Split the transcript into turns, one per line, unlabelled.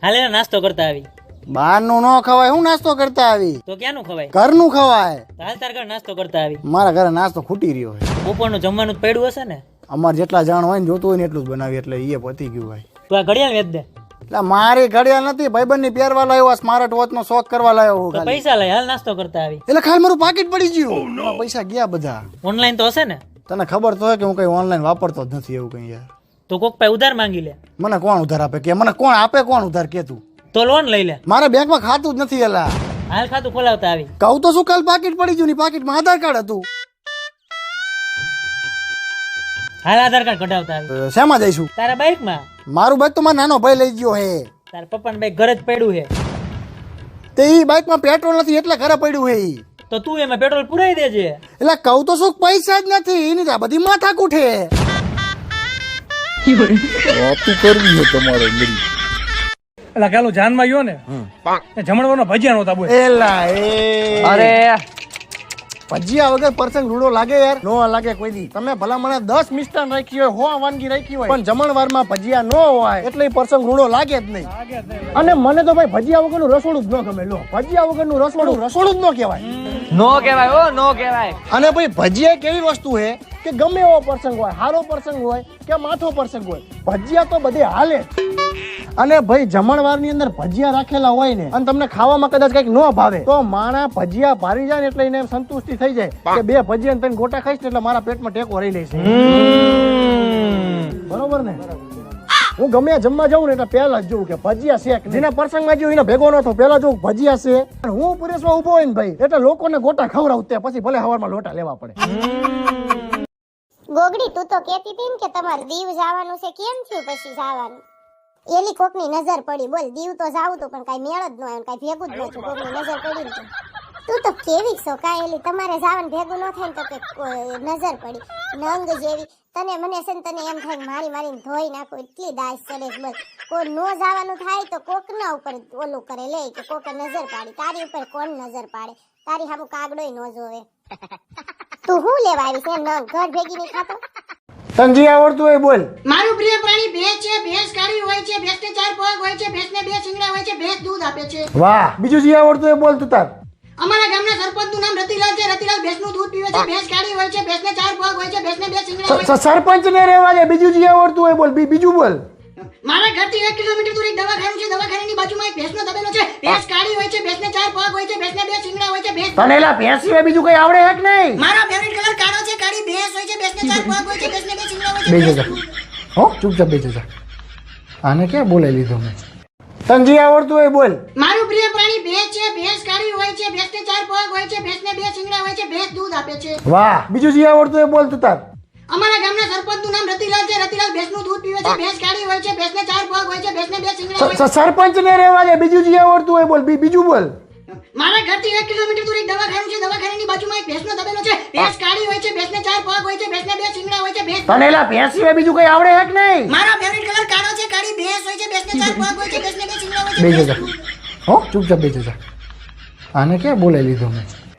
હાલે નાસ્તો કરતા આવી.
બહારનું ન ખવાય, હું નાસ્તો કરતા આવી.
તો ક્યાંનું ખવાય?
ઘરનું ખવાય.
હાલ તાર ઘર નાસ્તો કરતા આવી.
મારા ઘરે નાસ્તો ખૂટી રહ્યો છે.
બપોરનું જમવાનું જ પડ્યું હશે ને?
અમારે જેટલા જાણ હોય ને જોતું હોય ને એટલું જ બનાવી, એટલે એ પતી ગયું ભાઈ.
તું આ ઘડિયાળ વેચ દે.
એટલે મારી ઘડિયાળ નથી, ભાઈબંધ ની પહેરવા લાવ્યો, સ્માર્ટ વોચ નો શોખ કરવા લાવ્યો હું
તો
ખાલી.
પૈસા લઈ હાલ નાસ્તો કરતા આવી.
એટલે ખાલી મારું પાકીટ પડી ગયું, એમાં પૈસા ગયા બધા.
ઓનલાઈન તો હશે ને?
તને ખબર તો હોય કે હું કઈ ઓનલાઈન વાપરતો જ નથી એવું કઈ યાર.
તો કોક પાસે ઉધાર માંગી લે.
મને કોણ ઉધાર આપે કે? મને કોણ આપે? કોણ ઉધાર કે તું?
તો લોન લઈ લે.
મારા બેંકમાં ખાતું જ નથી. એલા
હાલ ખાતું ખોલાવતા આવી.
કહું તો શું, કાલ પાકીટ પડી ગયું, ની પાકીટમાં આધાર કાર્ડ હતું.
હાલ આધાર કાર્ડ કઢાવતા આવી.
શેમાં જઈશું?
તારા બાઇક માં.
મારું બાઈક તો મારો નાનો ભાઈ લઈ ગયો હે.
તારા પપ્પાનું બાઇક ઘરે જ પડ્યું છે.
તે ઈ બાઈકમાં પેટ્રોલ નથી એટલે ઘરે પડ્યું હે ઈ.
તો તું એમાં પેટ્રોલ પુરાઈ દેજે.
એટલે કહું તો શું, પૈસા જ નથી. એની તો આ બધી માથા કૂઠે.
વાતું કરવી છે તમારે મેરી.
એટલે કાલો જાનમાં ગયો ને જમણવાનો ભજીયા નહોતા બોલ.
એલા એ
અરે
ભજીયા વગર પ્રસંગ રૂડો લાગે યાર? નો લાગે કોઈ દી. તમે ભલા મને 10 મિષ્ટાન રાખી હોય, 100 વાનગી રાખી હોય, પણ જમણવારમાં ભજીયા ન હોય એટલે પ્રસંગ રૂડો લાગે જ નહીં. અને મને તો ભાઈ ભજીયા વગરનું રસોડું જ ન ગમે. લો, ભજીયા વગરનું રસોડું જ ન કહેવાય.
નો કહેવાય, ઓ નો કહેવાય.
અને ભાઈ ભજીયા એક એવી વસ્તુ છે કે ગમે એવો પ્રસંગ હોય, સારો પ્રસંગ હોય કે માથો પ્રસંગ હોય, ભજીયા તો બધે હાલે. અને ભાઈ જમણવારની અંદર ભજીયા રાખેલા હોય ને અને તમને ખાવામાં કદાચ કઈક ન ભાવે તો માણા ભજીયા ભારી જાય ને એટલે એને સંતુષ્ટિ થઈ જાય કે 2 ભજીયા ને 3 ગોટા ખાઈશ ને એટલે મારા પેટમાં ટેકો રહી લેશે. બરોબર ને? હું ગમે જમવા જાઉં ને એટલે પહેલા જ જોઉં કે ભજીયા શેક. જેના પ્રસંગમાં જોયું એને ભેગો ન થયો, પહેલા જોઉં ભજીયા છે. હું પુરેશમાં ઉભો હોય ને ભાઈ એટલે લોકોને ગોટા ખવડાવું, તે પછી ભલે હવારમાં લોટા લેવા પડે.
ગોગડી, તું તો કહેતી હતી ને કે તમારે દીવ જવાનું છે, કેમ થયું પછી જવાનું? એલી કોકની નજર પડી. બોલ, દીવ તો જાવું તો પણ કઈ મેળ જ ન આવ્યો, કઈ ભેગું જ ન થયું. કોકની નજર પડી ને તું તો કેવી છો કાંઈ? એલી તમારે જવાનું ભેગું ન થાય ને તો કે નજર પડી નંગ જેવી. તને મને છે ને તને એમ થાય મારી મારીને ધોઈ નાખો, એટલી દાસ ચડે. બસ કોઈ નો જવાનું થાય તો કોકના ઉપર ઓલું કરે લે કે કોકે નજર પાડી. તારી ઉપર કોણ નજર પાડે? તારી સામું કાગડોય ન જોવે. તું શું લેવા આવી છે? નંગ ઘર ભેગી નહીં ખાતો?
તંજી આવડતું હોય બોલ.
મારું પ્રિય પ્રાણી ભેંસ છે. ભેંસ કાળી હોય છે, ભેંસને 4 પગ હોય છે, ભેંસને 2 શિંગડા હોય છે, ભેંસ દૂધ આપે છે.
વાહ, બીજું જે આવડતું હોય બોલ તું તાર.
અમારા ગામના સરપંચનું નામ રતિલાલ છે. રતિલાલ ભેંસનું દૂધ પીવે છે. ભેંસ કાળી હોય છે, ભેંસને 4 પગ હોય છે, ભેંસને 2 શિંગડા હોય છે.
સરપંચ ને રહેવા દે, બીજું જે આવડતું હોય બોલ. બીજું બોલ.
મારા ઘરથી 1 કિલોમીટર દૂર એક દવાખાનું છે. દવાખાનાની બાજુમાં એક ભેંસનો તબેલો છે. ભેંસ કાળી હોય છે, ભેંસને 4 પગ હોય છે, ભેંસને 2 શિંગડા હોય છે, ભેંસ.
તને એલા ભેંસ સિવાય બીજું કઈ આવડે હે કે નહીં?
મારો ફેવરિટ કલર કાળો છે. કાળી ભેંસ હોય છે, ભેંસને 4 પગ હોય છે, ભેંસને 2 શિંગડા હોય છે,
બેસી
ભેંસ.
જા. હો, ચૂપચાપ બેસી જા. આને ક્યાં બોલાવી લીધો મેં? તંજી આવડતું હોય બોલ.
મારું પ્રિય પ્રાણી ભેંસ છે. ભેંસ કાળી હોય છે, ભેંસને 4 પગ હોય છે, ભેંસને 2 શિંગડા હોય છે, ભેંસ દૂધ આપે છે.
વાહ, બીજું જે આવડતું હોય બોલ તું તાર.
અમારા ગામના સરપંચનું નામ રતિલાલ છે. રતિલાલ ભેંસનું દૂધ પીવે છે. ભેંસ કાળી હોય છે, ભેંસને 4 પગ હોય છે, ભેંસને 2 શિંગડા હોય છે.
સરપંચ ને રહેવા દે, બીજું જે આવડતું હોય બોલ. બીજું બોલ.
મારા ઘરથી 1 કિલોમીટર દૂર એક દવાખાનું છે. દવાખાનાની બાજુમાં એક ભેંસનો તબેલો છે. ભેંસ કાળી હોય છે, ભેંસને 4 પગ હોય છે, ભેંસને 2 શિંગડા હોય છે, ભેંસ.
તને એલા ભેંસ સિવાય બીજું કઈ આવડે હે કે નહીં?
મારો ફેવરિટ કલર કાળો છે. કાળી ભેંસ હોય છે, ભેંસને 4 પગ હોય છે, ભેંસને 2 શિંગડા હોય છે,
બેસી
ભેંસ.
જા. હો, ચૂપચાપ બેસી જા. આને ક્યાં બોલાવી લીધો મેં?